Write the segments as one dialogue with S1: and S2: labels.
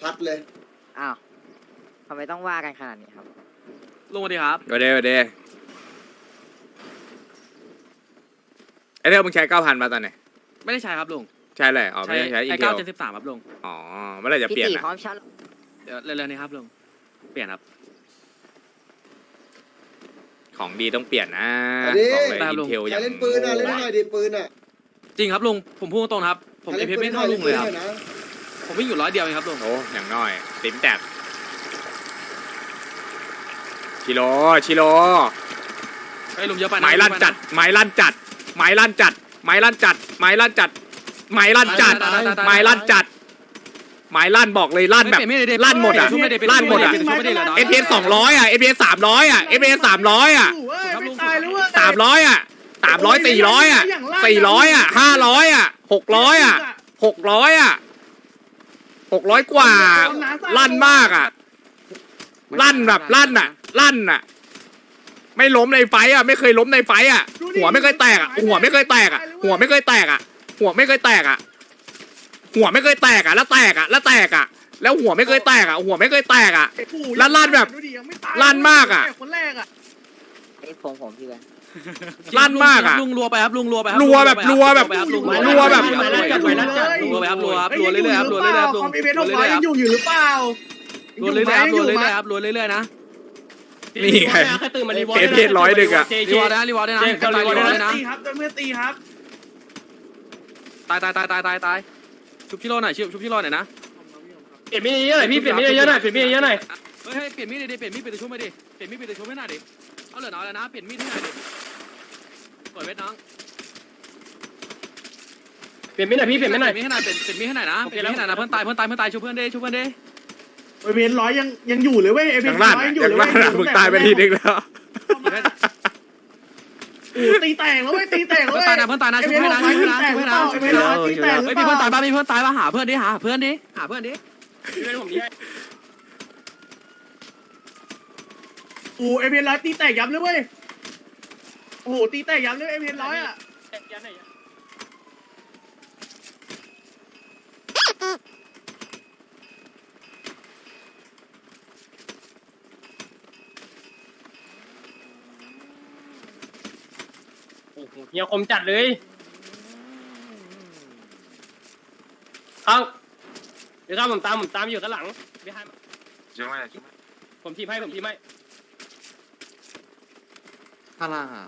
S1: พัดเลย
S2: อ้าวทำไมต้องว่ากันขนาดนี้ครับ
S3: ลุงสวัสดีครับ
S4: เดี๋ยวไอเรื่องมึงใช้9,000มาตอนไหน
S3: ไม่ได้ใช้ครับลุง
S4: ใช่เลยอ๋อไม่ได้ใช้อี
S3: ไอ้
S4: กเดียว
S3: 973ครับลุง
S4: อ๋อเมื่อไหรจะเปลี่ยน
S2: พี่ตี
S4: อ่ะ
S2: พร้อมชัด
S3: เดี๋ยวเร็วๆนี้ครับลุงเปลี่ยนครับ
S4: ของดีต้องเปลี่ยนนะ
S1: อันนี้
S4: บอกเลย
S3: ตาม
S4: อิ
S3: ลุ
S4: น
S3: ง
S4: เทล
S1: ใค
S4: อ
S1: ร
S4: ย่าง
S1: เล่นปืนอ่ะเล่นให้หน่อยดิปืนอ่ะ
S3: จริงครับลุงผมพูดตรงๆนะครับผม
S1: ใคร
S3: เอ
S1: เล่น
S3: พี
S1: ปื
S3: ไม่
S1: น
S3: เท่าลุงเลยครับ
S1: นะ
S3: ผมวิ่งอยู่100 เดียวเองครับลุง
S4: โอ้อย่างน้อยติ๋มแตกชิโร่
S3: ไอ้ลุงเยอะไปนะ
S4: ไม้ลั่นจัดไม้ลั่นจัดไม้ลั่นจัดไม้ลั่นจัดไม้ลั่นจัดไม้ลั่นจัดไม้ลั่นจัดไม้ลั่นบอกเลยลั่นแบบลั่นหมดอ่ะลั่นหมดอ่ะเอพีเอส200อ่ะเอพีเอส300อ่ะเอพีเอส300อ่ะ300อ่ะ300 400อ่ะ400อ่ะ500อ่ะ600อ่ะ600อ่ะ600กว่าลั่นมากอ่ะลั่นแบบลั่นอ่ะลั่นอ่ะไม่ล้มในไฟอ่ะไม่เคยล้มในไฟอ่ะหัวไม่เคยแตกอ่ะหัวไม่เคยแตกอ่ะหัวไม่เคยแตกอ่ะหัวไม่เคยแตกอ่ะหัวไม่เคยแตกอ่ะแล้วแตกอ่ะแล้วแตกอ่ะแล้วหัวไม่เคยแตกอ่ะหัวไม่เคยแตกอ่ะแล้วลั่นแบบลั่นมากอ่ะ
S2: ไอ้ผมพี่กัน
S4: ลั่นมากอ่ะ
S3: ลุงรัวไปครับลุงรัวไปครับ
S4: รัวแบบรัวแบบ
S3: ลุง
S4: รัวแบบ
S3: รัวไปครับรัวครับรัวเรื่อยๆครับรัวเรื่อยๆครับลุง
S5: คอมพิวเตอร์600ยังอยู่อยู่หรือเปล่า
S3: รัวเรื่อยๆครับรัวเรื่อยๆครับรัวเรื่อยๆนะ
S4: นี่ไง
S5: แค่ตื่นมารีวอร์
S4: เอพี100ดึกอ่ะ
S3: รีวอร์ดนะรีวอร์ดนะ
S5: ตาย
S3: รีวอร์ดเลยนะ
S5: ตีครับโดนเพื่อนตีครับ
S3: ตายชุบชิโร่หน่อยชุบชิโร่หน่อยนะ
S5: เปลี่ยนมีดเยอะหน่อยพี่เปลี่ยนมีดเยอะหน่อยเปลี่ยนมีดเยอะหน่อย
S3: เฮ้ยเปลี่ยนมีดดิเปลี่ยนมีดเป็นตัวชุบไปดิเปลี่ยนมีดเป็นตัวชุบให้หน่อยดิเอาเหลือน้อยแล้วนะเปลี่ยนมีดให้หน่อยดิเปิดเวทน้อง
S5: เปลี่ยนมีดหน่อยพี่เปลี่ยนมีดหน่อย
S3: เปลี่ยนมีดให้หน่อยเปลี่ยนมีดให้หน่อยนะเปลี่ยนมีดให้หน่อยนะเพื่อนตายชุบเพื่อนดิชุบเพื่อนดิ
S5: เอเวนร้อยยังอยู่เลยเว้ยเอเว
S4: อน ย่างลั่น
S5: ร้อย
S4: อ่ะ
S5: ยังอยู่
S4: อย่าง
S5: เลย
S4: ลั่นอ่ะมึงตายไปทีนึงแล้ว
S5: ตีแตกแล้วเว้ยตีแตกแล้ว
S3: เพื่อน
S5: เว้
S3: ตาย
S5: ย
S3: นะเพื่อนตายนะชุบให้นะชุบให้นะชุบให้นะ
S5: เอเวนร้อยตีแตกหรื
S3: เฮ้
S5: อย เป
S3: มี
S5: ล่า
S3: เพื่อนตายบ้างมีเพื่อนตายบ้างหาเพื่อนดิหาเพื่อนดิหาเพื่อนดิ
S5: โอ้เอเวนร้อยตีแตกยับเลยเว้ยโอ้โหตีแตกยับเลยเอเวนร้อยอ่ะ
S6: เฮียคมจัดเลยเอาเดี๋ยวผมตามอยู่ข้างหลังไม่ให้ผมทีมให้
S3: ข้างล่างอ่ะ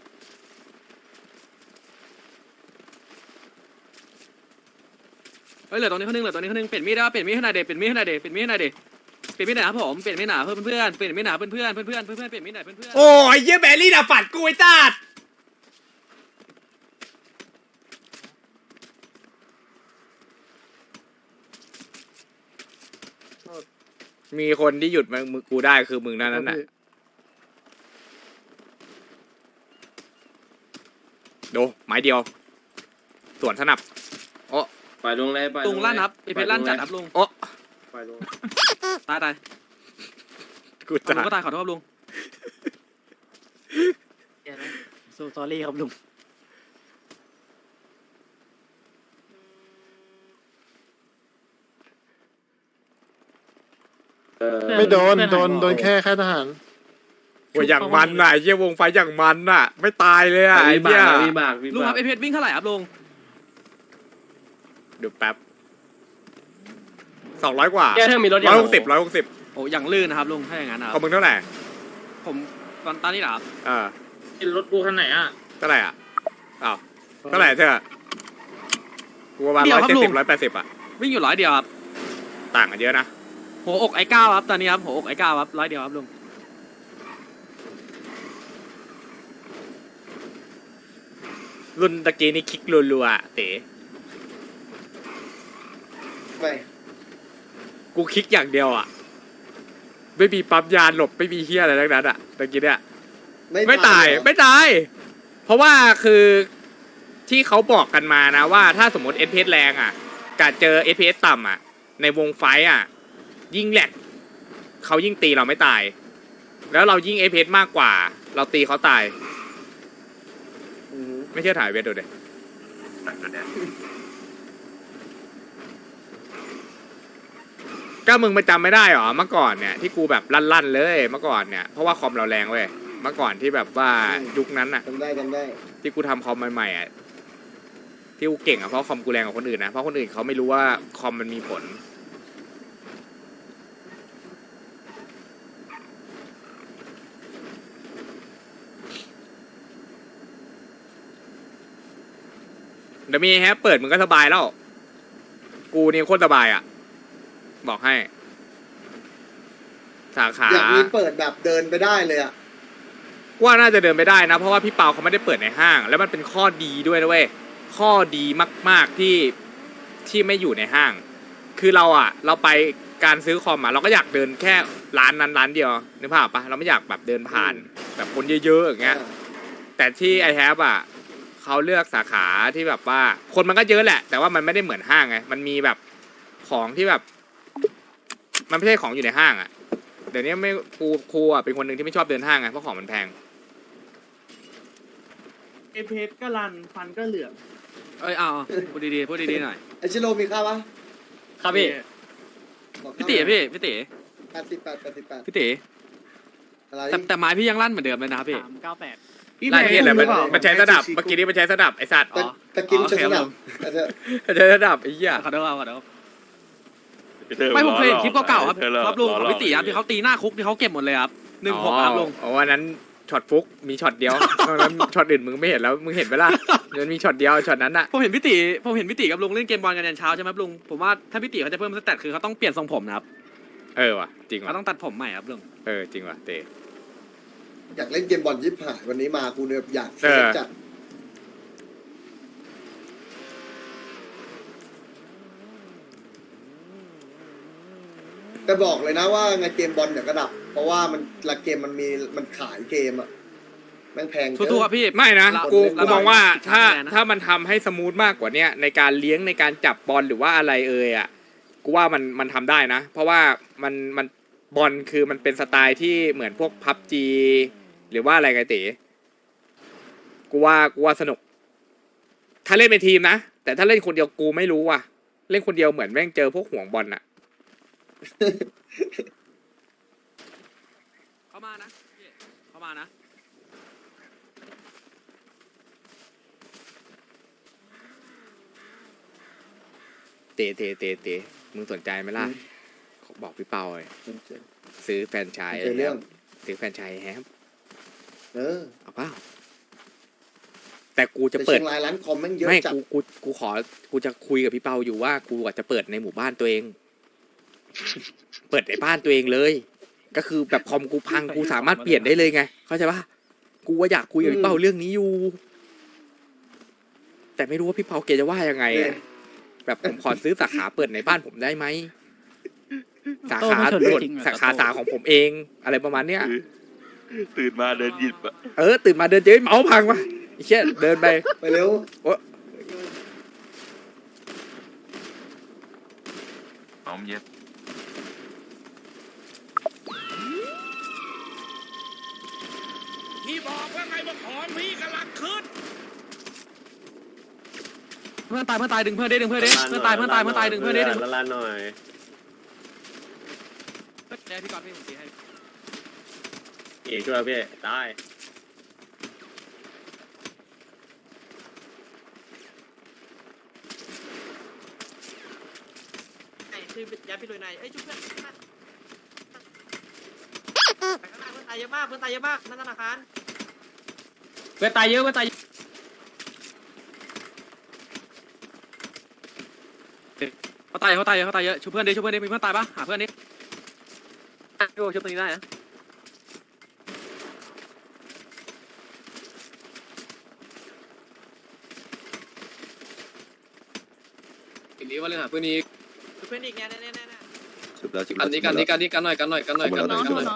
S3: เฮ้ยเหลือตรงนี้คนนึงเปลี่ยนมีดได้เปลี่ยนมีดให้หน่อยเด็เปลี่ยนมีดให้หน่อยเด็เปลี่ยนมีดให้หน่อยเด็เปลี่ยนมีดหน่อยครับผมเปลี่ยนมีดหนาเพื่อนเปลี่ยนมีดหนาเพื่อนเปลี่ยนมีดหน่อยเพื่อน
S4: โอ้ยเยี่ยแบรี่ดับฝันกูไอ้จัดมีคนที่หยุดมึงกูได้คือมึงนั่นน่ะดูไม้เดียวส่วนสนับโอ้
S6: ไปลงเลยไป
S3: ลุงลั่นครับไอเพชรลั่นจัดครับลุง
S4: โอ้
S6: ไปลง
S3: ตาย
S4: กู
S3: ลุ
S4: จั
S3: ง
S4: ด
S3: ก็ตายขอโทษครับลุง
S2: สู้ตอรี่ครับลุง
S7: ไม่โดนแค่ทหาร
S4: โอ้ยอย่างมันน่ะไอ้เยี่ยวงไฟอย่างมันน่ะ ไม่ตายเลยอ่ะไอ้เหี้ย
S6: วิบาก
S3: ลุงครับไอเพชรวิ่งเท่าไหร่ครับลุง
S4: ดูแป๊บ200 กว่า
S6: แกเธอมีรถ
S4: 160
S3: โอ้อย่างลื่นนะครับลุงถ้าอย่างนั้นนะค
S4: ข
S3: รั
S4: อบ งมึงเท่าไหร่
S3: ผมตอนนี้เหรอครับ
S6: รถกูคันไหนอ่ะ
S4: เท่าไหร่อ่ะอ้าวเท่าไหร่เธอกูประมาณ170 180อ่ะ
S3: วิ่งอยู่100 เดียวครับ
S4: ต่างกันเยอะนะ
S3: หัวอกไอ้ก้าวครับตอนนี้ครับหัวอกไอ้ก้าวครับ100 เดียวครับลุง
S4: รุ่นตะกี้นี่คลิกรัวๆอะเต๋
S1: ไม่
S4: กูคลิกอย่างเดียวอ่ะไม่มีปั๊มยานหลบไม่มีเฮียอะไรทั้งนั้นอ่ะตะกี้เนี่ยไม่ตาย เพราะว่าคือที่เขาบอกกันมานะว่าถ้าสมมติ FPS แรงอ่ะกับเจอ FPS ต่ำอ่ะในวงไฟอ่ะยิ่งแหลกเขายิ่งตีเราไม่ตาย แล้วเรายิ่ง FPS มากกว่าเราตีเขาตายไม่เชื่อถ่ายเวทดูดิก็มึงไปจำไม่ได้หรอเมื่อก่อนเนี่ยที่กูแบบลั่นๆเลยเมื่อก่อนเนี่ยเพราะว่าคอมเราแรงเว้ยเมื่อก่อนที่แบบว่ายุคนั้นอะ
S1: จำได้
S4: ที่กูทำคอมใหม่ๆอะที่กูเก่งอะเพราะคอมกูแรงกว่าคนอื่นนะเพราะคนอื่นเขาไม่รู้ว่าคอมมันมีผลเดี๋ยวมีแฮปเปิดมึงก็สบายแล้วกูนี่โคตรสบายอะบอกให้สาขา
S1: อยากมีเปิดแบบเดินไปได้เลยอ่ะ
S4: ว่าน่าจะเดินไปได้นะเพราะว่าพี่เปาเขาไม่ได้เปิดในห้าง แล้วมันเป็นข้อดีด้วยนะเว้ยข้อดีมากๆที่ไม่อยู่ในห้าง คือเราไปการซื้อคอมเราก็อยากเดินแค่ร้านนั้นร้านเดียวนึกภาพปะเราไม่อยากแบบเดินผ่านแบบคนเยอะๆอย่างเงี้ยแต่ที่ไอแฮปเขาเลือกสาขาที่แบบว่าคนมันก็เยอะแหละ แต่ว่ามันไม่ได้เหมือนห้างไงมันมีแบบของที่แบบ มันไม่ใช่ของอยู่ในห้างเดี๋ยวนี้ไม่ครูเป็นคนหนึ่งที่ไม่ชอบเดินห้างไงเพราะของมันแพง
S5: เอเพชก็รันฟันก็เหลือง
S3: เอ้ยเอาพูดดีๆพูดดีๆหน่อย
S1: ไอชิโร่มีข้าวปะ
S6: ครับพี่
S1: บอก
S3: พี่
S1: ข้าว
S3: ตีพี่ตี
S1: 88
S3: พี่ตี
S1: อะไร
S3: แต่ไม้พี่ยังลั่นเหมือนเดิมเลยนะครับพี่
S5: พี่
S4: ไล่เห็นเลย
S5: หรือเปล่า
S4: มันใช้สนับเมื่อกี้นี้มันใช้สนับไอสัตว์
S1: ตะกิน
S3: อ๋อ
S1: จะสนับ
S3: โอเค
S1: แต่เธอ
S4: มันใช้สนับไอ้เหี้ย
S3: ขอโทษครับขอโทษไม่ผมเคยเห็นคลิปเก่าๆครับครับลุงของพี่ตีครับที่เขาตีหน้าคุกที่เขาเก็บหมดเลยครับ16ครับลุง
S4: อ๋อวันนั้นช็อตฟุกมีช็อตเดียวแล้วช็อตอื่นมึงไม่เห็นแล้วมึงเห็นไหมล่ะมันมีช็อตเดียวช็อตนั้นอะ
S3: ผมเห็นพี่ตีกับลุงเล่นเกมบอลกันยันเช้าใช่ไหมครับลุงผมว่าถ้าพี่ตีเขาจะเพิ่มสเตตคือเขาต้องเปลี่ยนทรงผมนะครับ
S4: ว่ะจริง
S3: เขา
S4: ว่ะ
S3: ต้องตัดผมใหม่ครับลุง
S4: จริงว่ะเต๋
S1: อยากเล่นเกมบอลยิบหายวันนี้มากูเนี่ยอยากเซฟจัดแต่บอกเลยนะว่าไงเกมบอลเดี๋ยวก็ดับ เพราะว่ามันละเกมมันขายเกมอ่ะแม่งแพงเกิน
S3: ทุกๆครับพี่
S4: ไม่นะ
S3: เรา
S4: กู
S3: เรา
S4: มองว่าถ้า
S3: เรา
S4: ถ้ามันทำให้สมูทมากกว่าเนี้ยในการเลี้ยงในการจับบอลหรือว่าอะไรกูว่ามันทำได้นะ เพราะว่ามันบอลคือมันเป็นสไตล์ที่เหมือนพวกพับจีหรือว่าอะไรไงเต๋กูว่าสนุก ถ้าเล่นเป็นทีมนะแต่ถ้าเล่นคนเดียวกูไม่รู้ว่ะเล่นคนเดียวเหมือนแม่งเจอพวกห่วงบอลอะ
S3: เข้ามานะพี่เข้ามานะ
S4: เตมึงสนใจไหมล่ะบอกพี่เปาเลยซื้อแฟรนไชส์
S1: เจอเรื่อง
S4: ซื้อแฟรนไชส์แฮม เอาเปล่าแต่กูจะ
S1: แต่
S4: เปิ
S1: เชี
S4: ด
S1: ยงรายร้านคอมแม่งเยอะ
S4: ไม่
S1: จัด
S4: กูจะคุยกับพี่เปาอยู่ว่ากูอาจจะเปิดในหมู่บ้านตัวเอง เปิดในบ้านตัวเองเลย ก็คือแบบคอมกูพังกูสามารถเปลี่ยนได้เลยไงเข้าใจปะกูว่าอยากคุยกับพี่เปาเรื่องนี้อยู่ แต่ไม่รู้ว่าพี่เปาเกจะว่ายังไงอะแบบผมขอซื้อสาขาเปิดในบ้านผมได้ไหมสาขาส่วนสาขาของผมเองอะไรประมาณเนี้ย
S8: ตื่นมาเดินหยิบอะ
S4: ตื่นมาเดินเจอเมาส์พังวะไอ้เชี่ยเดินไป
S1: ไปเร็ว
S8: หอมเย็บ
S4: พี่บอกว่าไงบอกของพี่กำลังขึ้น
S3: เพื่อนตายดึงเพื่อนดึงเพื่อนดึงเพื่อนดึง
S6: ละลานหน่อย
S3: เดี๋ยวพี่กอดพี่ผมตีให้
S6: เอ๋ช่วยพี่ได้
S2: คือยัดพี่ลุยในชุบเพื่อนไปข้างหน้าเพื่อนตายเยอะมากนั่นธนาคาร
S6: เพื่อนตายเยอะเพื่อนตาย
S3: เขาตายเยอะชุบเพื่อนดิมีเพื่อนตายปะหาเพื่อนดิพี่โอชุบตรงนี้ได้นะอีกนี้ว่าเรื่องหาเพื่อนนี้
S2: ชุบเพื่อนอีกเนี่ย
S8: ชุบแล้วชุบ
S3: กัน
S8: แล้ว
S3: นี้กันหน่อยกันหน่อย
S9: น้องน้อง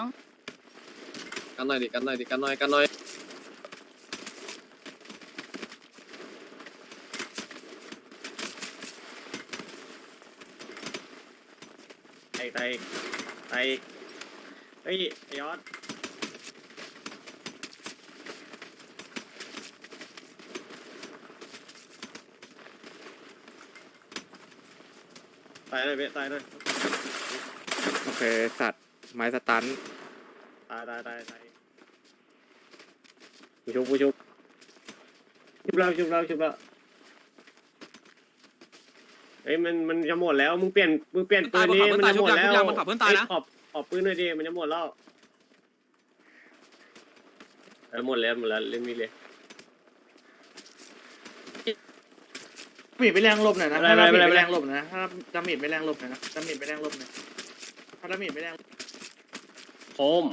S6: ไตเฮ้ยไอยอดตายเลยพี่ตายเลย
S4: เคสัตว์ไม้สตัน
S6: ตายกูชุบชุบแล้วเฮ้ยมันจะหมดแล้วมึงเปลี่ยนปืนนี้มันจะหมดแล้วขอบปืนหน่อยดิมันจะหมดแล้วหมดแล้วเล่นมีเลย
S5: มีดไปแรงลบหน่อยนะ
S6: ไม่
S5: ถ้า
S6: เป็นไร
S5: มีดไปแรงลบนะถ้าดาเมจไปแรงลบหน่อยนะดาเมจไปแรงลบหน่อยถ้าดาเมจไปแรง
S6: โคม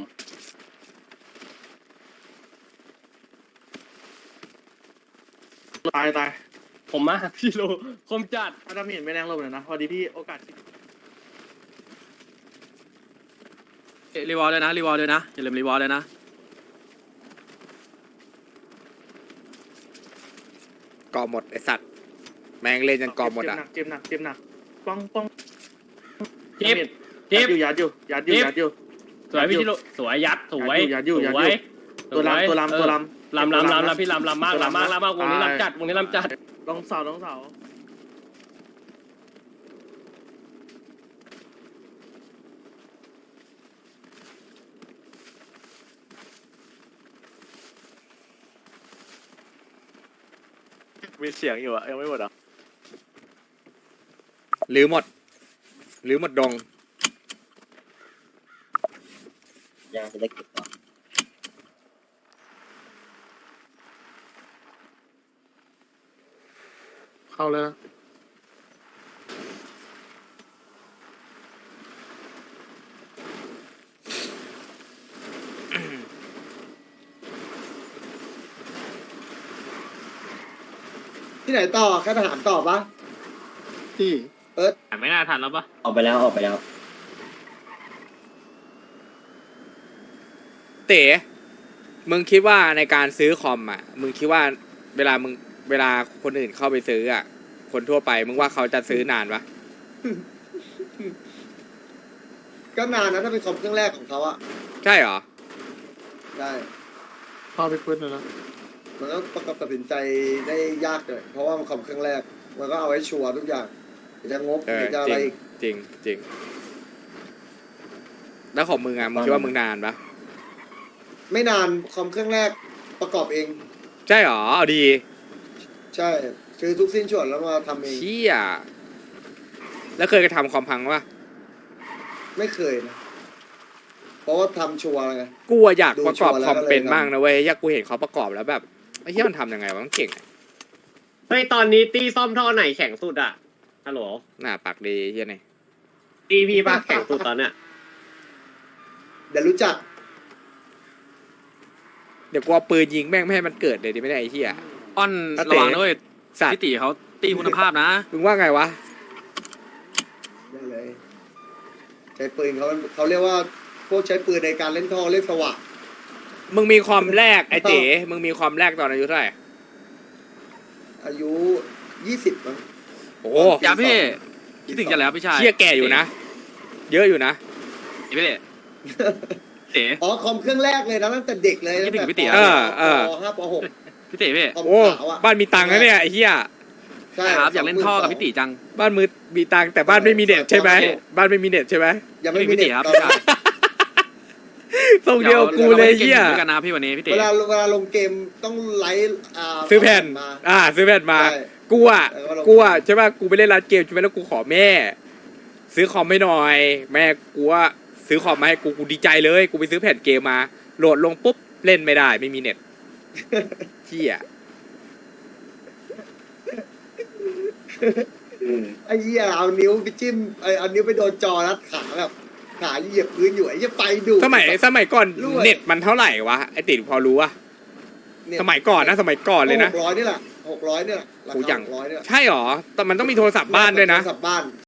S5: ตาย
S6: ผมมาพี่โลคมจัด
S5: ถ้าดาเมจไปแรงลบหน่อยนะพอดีพี่โอกาส
S3: รีวอลเลยนะอย่าลืมรีวอลเลยนะ
S4: กอหมดไอสัตว์แมงเล่นจนกอหมดอ่ะ
S5: เจ็บหนักป้อง
S6: เจ็บ
S5: ยัดอยู่
S6: สวยพี่ชิโร่สวยยัดสวย
S5: ยัดอยู่ตัวลำ
S6: พี่ลำมากวงนี้ลำจัด
S5: ลงเสา
S7: มีเสียงอยู่อะยังไม่หมดอ่ะ
S4: หรือหมดดง
S9: ยาจะได้เก็บก่อน
S7: เข้าเลยนะ
S1: ที่ไหนต่อแค่ทหารต่อปะ
S7: ที่
S6: ไม่น่าทันแล้วปะ
S9: ออกไปแล้ว
S4: เต๋มึงคิดว่าในการซื้อคอมอ่ะมึงคิดว่าเวลาคนอื่นเข้าไปซื้ออ่ะคนทั่วไปมึงว่าเขาจะซื้อนานปะ
S1: ก็นานนะถ้าเป็นคอมเครื่องแรกของเขาอะ
S4: ใช่เหรอ
S1: ได้
S7: เข้าไปพื้นเลยนะ
S1: มันก็ประกอบตัดสินใจได้ยากเลยเพราะว่ามันคอมเครื่องแรกมันก็เอาไว้ชัวร์ทุกอย่างจะงบ
S4: เออ
S1: จะอะ
S4: จ
S1: ไร
S4: ริง
S1: อีก
S4: จริงแล้วของมึงอ่ะมึงคิดว่ามึงนานปะ
S1: ไม่นานคอมเครื่องแรกประกอบเอง
S4: ใช่เหรอเอาดี
S1: ใช่ซื้อทุกสิ้นส่วนแล้วมาทำเอง
S4: เชี่ยแล้วเคยกระทำคอมพังปะ
S1: ไม่เคยนะเพราะว่าทำชัวร์ไง
S4: กูอะอยากประกอบ
S1: ดูชัวร์แล้ว
S4: คอมเป็น
S1: ก็เลยทำ
S4: บ้างนะเว้ยอยากกูเห็นเขาประกอบแล้วแบบไอ้เหี้ยมันทำยังไงวะมันเก่งอะ
S6: เฮ้ยตอนนี้ตีซ่อมท่อไหนแข็งสุดอะฮัลโหล
S4: หน้าปากดีเหี้ยนี่
S6: ตีพี่ปะแข็งสุดตอนเนี้ย
S1: เดี๋ยวรู้จัก
S4: เดี๋ยวกูเอาปืนยิงแม่งไม่ให้มันเกิดเลยดิไม่ได้ไอ้เหี้ย
S3: อ้อน
S4: อ่ะ
S3: ระวังด้วย
S4: สัตว์
S3: พี่ตีเขาตีคุณภาพนะ
S4: มึงว่าไงวะ
S1: ได้เลยใช้ปืนเขาเรียกว่าพวกใช้ปืนในการเล่นท่อเล่นสว่าง
S4: มึงมีคอมแรกไอ้เต๋มึงมีคอมแรกตอนอายุเท่าไหร่
S1: อายุ20มั้ง
S4: โอ้
S3: อย่าพี่คิดถึงจะแล้วพี่ชาย
S4: เชี่ยแก่อยู่นะ เยอะอยู่นะ
S3: พี่เต๋
S1: อ๋อคอมเครื่องแรกเลยนะตั้งแต่เด็กเลย
S3: คิดถึงพี่ติ๋ว
S1: ป .5 ป
S3: พี่เต๋พี่
S1: .6 คอม
S4: โอ้
S1: ขาวอ่ะ
S4: บ้านมีตังค์นะเนี่ยไอ้เหี้ย
S1: ใช่
S3: ครับอยากเล่นท่อกับพี่ตีจัง
S4: บ้านมือมีตังค์แต่บ้านไม่มีเน็ตใช่ไหมบ้านไม่มีเน็ตใช่ไหม
S1: ยังไม่มี
S3: พี่ติ๋
S1: เด็ก
S3: ครับ
S1: ตอน
S3: พี่ชาย
S4: ทรงเดียวกูเลยเหี้ย
S3: ด้วยกันนะพี่วันนี้พี่เต๋
S1: เวลาลงเกมต้องไลฟ์
S4: ซื้อแผ่น
S1: มา
S4: ซื้อแผ่นมา
S1: ใช่
S4: กูอ่ะ
S1: แล้วก็ลง
S4: กูอ่ะใช่ป่ะกูไปเล่นร้านเกมใช่ไหมแล้วกูขอแม่ ซื้อคอมให้หน่อย แม่กูว่าซื้อคอมมาให้กูดีใจเลยกูไปซื้อแผ่นเกมมาโหลดลงปุ๊บเล่นไม่ได้ไม่มีเน็ตเหี้ย
S1: ไอ้เหี้ยเอานิ้วไปจิ้มเอานิ้วไปโดนจอรัดขาแบบขาเหยียบพื้นอยู่ไอ้เหี้ยไปดู
S4: สมัยก่อน
S1: รวย
S4: เน็ตมันเท่าไหร่วะไอติดพอรู้วะ
S1: เนี่ย
S4: สมัยก่อนนะสมัยก่อนเลยนะ
S1: 600นี่แหละ600นี่แหละรา
S4: โอ้
S1: คา
S4: อย่าง
S1: 600เนี่ย
S4: ใช่หรอแต่มันต้องมีโทรศัพท์บ้านด้วยนะ
S1: โทรศัพท์บ้าน